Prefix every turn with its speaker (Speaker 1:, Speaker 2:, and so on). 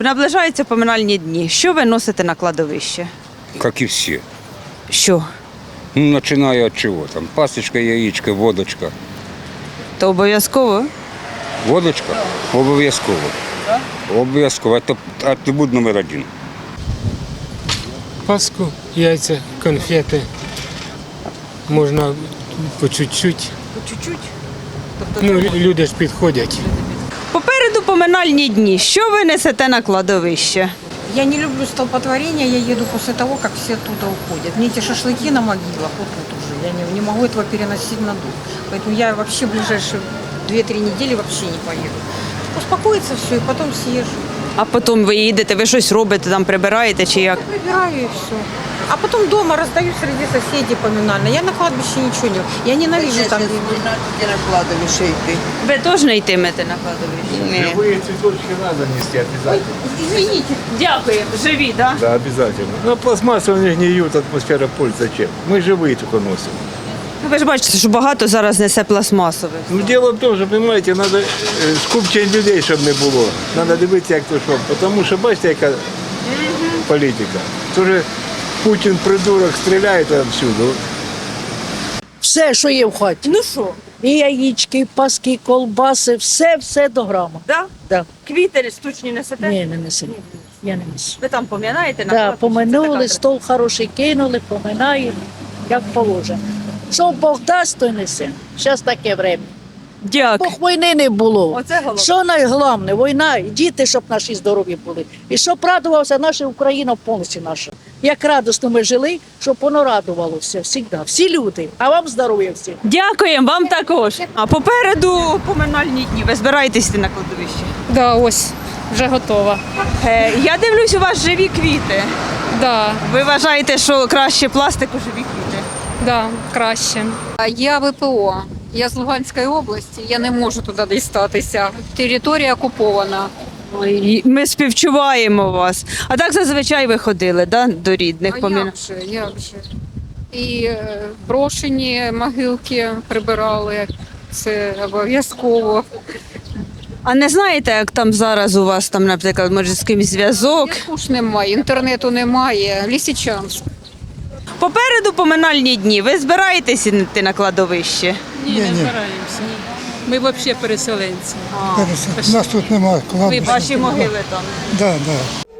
Speaker 1: Наближаються поминальні дні. Що ви носите на кладовище?
Speaker 2: Как и все.
Speaker 1: Що?
Speaker 2: Ну, начиная от чего там? Пасочка, яичко, водочка.
Speaker 1: То обов'язково?
Speaker 2: Водочка? Обов'язково. Обов'язково. Это атрибут номер один.
Speaker 3: Паску, яйця, конфети. Можна по чуть-чуть.
Speaker 1: По чуть-чуть.
Speaker 3: Ну, люди ж підходять.
Speaker 1: Попереду поминальні дні. Що ви несете на кладовище?
Speaker 4: Я не люблю столпотворение, я еду после того, как все оттуда уходят. Мне эти шашлыки на могилах, вот тут уже, я не могу этого переносить на дух. Поэтому я вообще в ближайшие 2-3 недели вообще не поеду. Успокоится все, и потом съезжу.
Speaker 1: А потім ви їдете, ви щось робите, там прибираєте чи як?
Speaker 4: Прибираю и все. А потом дома раздаю среди соседей поминально. Я на кладбище ничего не делаю. Я ненавижу там.
Speaker 5: На кладовище йти.
Speaker 1: Ви теж не йтимете на кладовище?
Speaker 6: Живые цветочки надо нести обязательно.
Speaker 1: Извините. Дякую. Живі, так?
Speaker 6: Да, обязательно. Но пластмассы у них гниют, атмосфера пользы зачем? Мы живые только носим.
Speaker 1: Ви ж бачите, що багато зараз несе пластмасових.
Speaker 6: Ну, дело в том, що, понимаете, надо скупчень людей, щоб не було. Надо дивитися, як то що. Тому що, бачите, яка політика. Тоже Путін, придурок, стріляє там всюди.
Speaker 7: Все, що є в хаті.
Speaker 1: Ну що,
Speaker 7: І яєчки, і паски, і колбаси, все до грама.
Speaker 1: да?
Speaker 7: Да.
Speaker 1: Квіти штучні несете?
Speaker 7: Ні, не несу. Я не несу.
Speaker 1: Ви там пом'янаєте? на
Speaker 7: Да,
Speaker 1: кладбищі? Це
Speaker 7: поминули,
Speaker 1: така
Speaker 7: стол хороший кинули, поминаємо, як положено. Що Бог дасть, то й несе. Зараз таке время.
Speaker 1: Дякую.
Speaker 7: Бог війни не було.
Speaker 1: Оце головне.
Speaker 7: Що найголовніше? Війна, і діти, щоб наші здорові були. І щоб радувався наша Україна повністю наша. Як радісно ми жили, щоб воно радувалося завжди. Всі люди. А вам здоров'я всім.
Speaker 1: Дякуємо, вам також. А попереду поминальні дні. Ви збираєтесь йти на кладовище?
Speaker 8: Да, ось, вже готова.
Speaker 1: Я дивлюсь, у вас живі квіти.
Speaker 8: Да,
Speaker 1: Ви вважаєте, що краще пластику живі квіти?
Speaker 8: да, краще.
Speaker 9: Я ВПО. Я з Луганської області, я не можу туди дістатися. Територія окупована.
Speaker 1: Ой, ми співчуваємо вас. А так зазвичай ви ходили, да, до рідних
Speaker 9: А
Speaker 1: помин...
Speaker 9: як же? І брошені могилки прибирали. Це обов'язково.
Speaker 1: А не знаєте, як там зараз у вас, там, наприклад, може з кимось зв'язок?
Speaker 9: Зв'язку ж немає, інтернету немає. Лисичанськ.
Speaker 1: Попереду поминальні дні. Ви збираєтесь йти на кладовище?
Speaker 8: Ні, не збираємося. Ми взагалі переселенці.
Speaker 10: У нас тут немає
Speaker 1: Ви
Speaker 10: кладбища.
Speaker 1: ваші могили там.
Speaker 10: Да, да.